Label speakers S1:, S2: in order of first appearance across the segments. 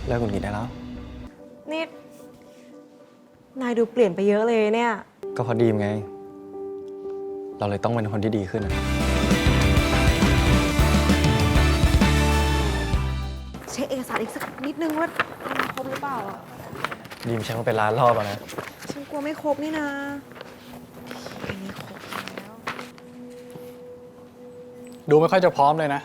S1: เลิกหงุดหงิดได้แล้ว
S2: นี่นายดูเปลี่ยนไปเยอะเลยเนี่ย
S1: ก็เพราะดีมไงเราเลยต้องเป็นคนที่ดีขึ้น
S2: เช็คเอกสารอีกสักนิดนึงว่าครบหรือเปล่าอ่ะ
S1: ดีมใช้มาเป็นล้านรอบแล้วนะ
S2: ฉันกลัวไม่ครบนี่นะอันนี้ครบแล้ว
S3: ดูไม่ค่อยจะพร้อมเลยนะ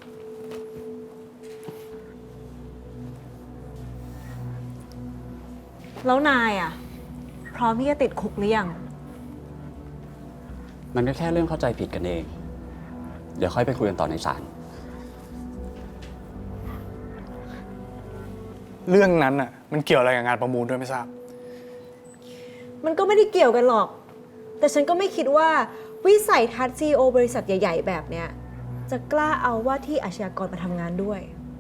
S2: แล้วนายอ่ะพร้อมที่จะติดคุกหรือยัง
S4: มันก็แค่เรื่องเข้าใจผิดกันเอง เดี๋ยวค่อยไปคุยกันต่อในศาล
S3: เรื่องนั้นอ่ะมันเกี่ยวอะไรกับงานประมูลด้วยไม่ทราบ
S2: มันก็ไม่ได้เกี่ยวกันหรอกแต่ฉันก็ไม่คิดว่าวิสัยทัศน์ CEO บริษัทใหญ่ๆแบบเนี้ยจะกล้าเอาว่าที่อาชญากรมาทำงานด้วย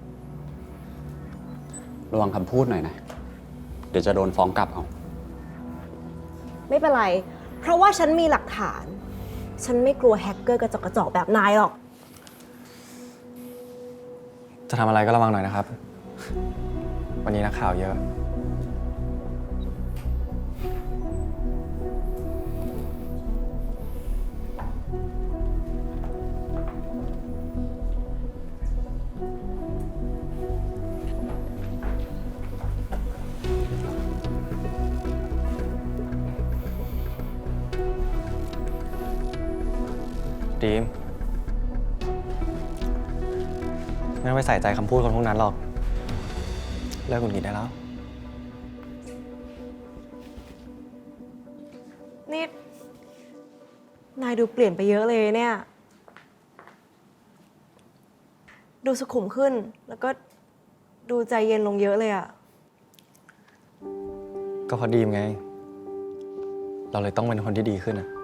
S4: ระวังคำพูดหน่อยนะ เดี๋ยวจะโดนฟ้องกลับเอา
S2: ไม่เป็นไรเพราะว่าฉันมีหลักฐานฉันไม่กลัวแฮกเกอร์กระจอกแบบนายหรอก
S1: จะทำอะไรก็ระวังหน่อยนะครับวันนี้นักข่าวเยอะดีมไม่ต้องไปใส่ใจคำพูดคนพวกนั้นหรอกเลิกหงุดหงิดได้แล้ว
S2: นี่นายดูเปลี่ยนไปเยอะเลยเนี่ยดูสุขุมขึ้นแล้วก็ดูใจเย็นลงเยอะเลยอะ
S1: ก็เพราะดีมไงเราเลยต้องเป็นคนที่ดีขึ้น